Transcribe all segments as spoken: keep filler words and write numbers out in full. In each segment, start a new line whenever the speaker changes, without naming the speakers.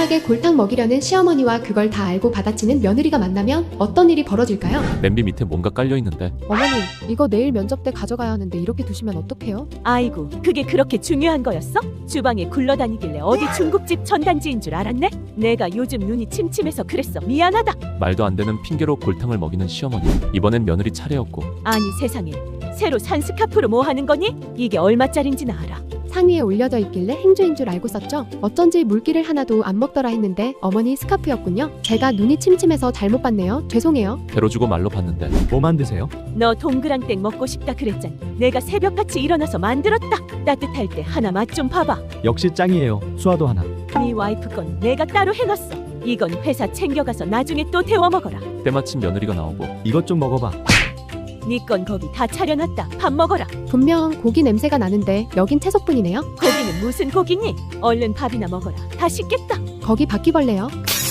무심하게 골탕 먹이려는 시어머니와 그걸 다 알고 받아치는 며느리가 만나면 어떤 일이 벌어질까요?
냄비 밑에 뭔가 깔려있는데.
어머니, 이거 내일 면접 때 가져가야 하는데 이렇게 두시면 어떡해요?
아이고, 그게 그렇게 중요한 거였어? 주방에 굴러다니길래 어디 중국집 전단지인 줄 알았네? 내가 요즘 눈이 침침해서 그랬어. 미안하다.
말도 안 되는 핑계로 골탕을 먹이는 시어머니. 이번엔 며느리 차례였고.
아니 세상에, 새로 산 스카프로 뭐 하는 거니? 이게 얼마짜린지는 알아.
상위에 올려져 있길래 행주인 줄 알고 썼죠. 어쩐지 물기를 하나도 안 먹더라 했는데 어머니 스카프였군요. 제가 눈이 침침해서 잘못 봤네요. 죄송해요.
배로 주고 말로 받는데.
뭐 만드세요?
너 동그랑땡 먹고 싶다 그랬잖니. 내가 새벽같이 일어나서 만들었다. 따뜻할 때 하나 맛 좀 봐봐.
역시 짱이에요. 수화도 하나.
네 와이프 건 내가 따로 해놨어. 이건 회사 챙겨가서 나중에 또 데워 먹어라.
때마침 며느리가 나오고.
이것 좀 먹어봐.
네 건 거기 다 차려놨다. 밥 먹어라.
분명 고기 냄새가 나는데 여긴 채소뿐이네요.
고기는 무슨 고기니? 얼른 밥이나 먹어라. 다 식겠다.
거기 바퀴벌레요.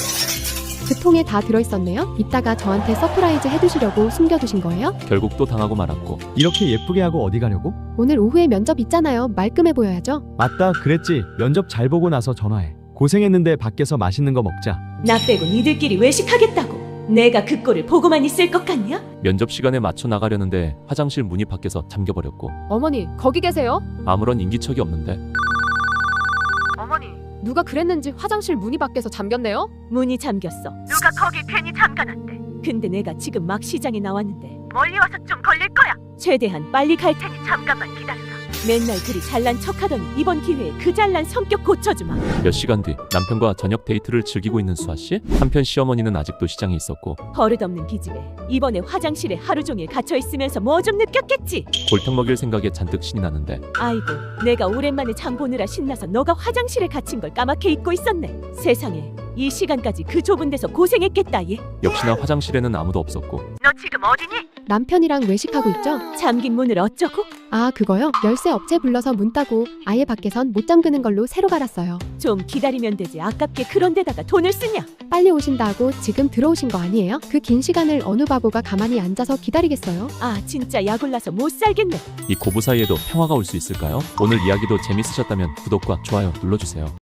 그 통에 다 들어있었네요. 이따가 저한테 서프라이즈 해두시려고 숨겨두신 거예요?
결국 또 당하고 말았고.
이렇게 예쁘게 하고 어디 가려고?
오늘 오후에 면접 있잖아요. 말끔해 보여야죠.
맞다, 그랬지. 면접 잘 보고 나서 전화해. 고생했는데 밖에서 맛있는 거 먹자.
나 빼고 니들끼리 외식하겠다고. 내가 그 꼴을 보고만 있을 것 같냐?
면접 시간에 맞춰 나가려는데 화장실 문이 밖에서 잠겨버렸고.
어머니, 거기 계세요?
아무런 인기척이 없는데.
어머니, 누가 그랬는지 화장실 문이 밖에서 잠겼네요?
문이 잠겼어. 누가 거기 괜히 잠가놨대. 근데 내가 지금 막 시장에 나왔는데 멀리 와서 좀 걸릴 거야. 최대한 빨리 갈 테니 잠깐만 기다려라. 맨날 그리 잘난 척하더니 이번 기회에 그 잘난 성격 고쳐주마.
몇 시간 뒤 남편과 저녁 데이트를 즐기고 있는 수아씨. 한편 시어머니는 아직도 시장에 있었고.
버릇없는 기집애. 이번에 화장실에 하루 종일 갇혀 있으면서 뭐 좀 느꼈겠지.
골탕 먹일 생각에 잔뜩 신이 나는데.
아이고, 내가 오랜만에 장 보느라 신나서 너가 화장실에 갇힌 걸 까맣게 잊고 있었네. 세상에, 이 시간까지 그 좁은 데서 고생했겠다 얘.
역시나 화장실에는 아무도 없었고.
너 지금 어디니?
남편이랑 외식하고 있죠?
잠긴 문을 어쩌고?
아, 그거요? 열쇠 업체 불러서 문 따고 아예 밖에선 못 잠그는 걸로 새로 갈았어요.
좀 기다리면 되지. 아깝게 그런 데다가 돈을 쓰냐?
빨리 오신다고 지금 들어오신 거 아니에요? 그 긴 시간을 어느 바보가 가만히 앉아서 기다리겠어요?
아, 진짜 약올라서 못 살겠네.
이 고부 사이에도 평화가 올 수 있을까요? 오늘 이야기도 재밌으셨다면 구독과 좋아요 눌러주세요.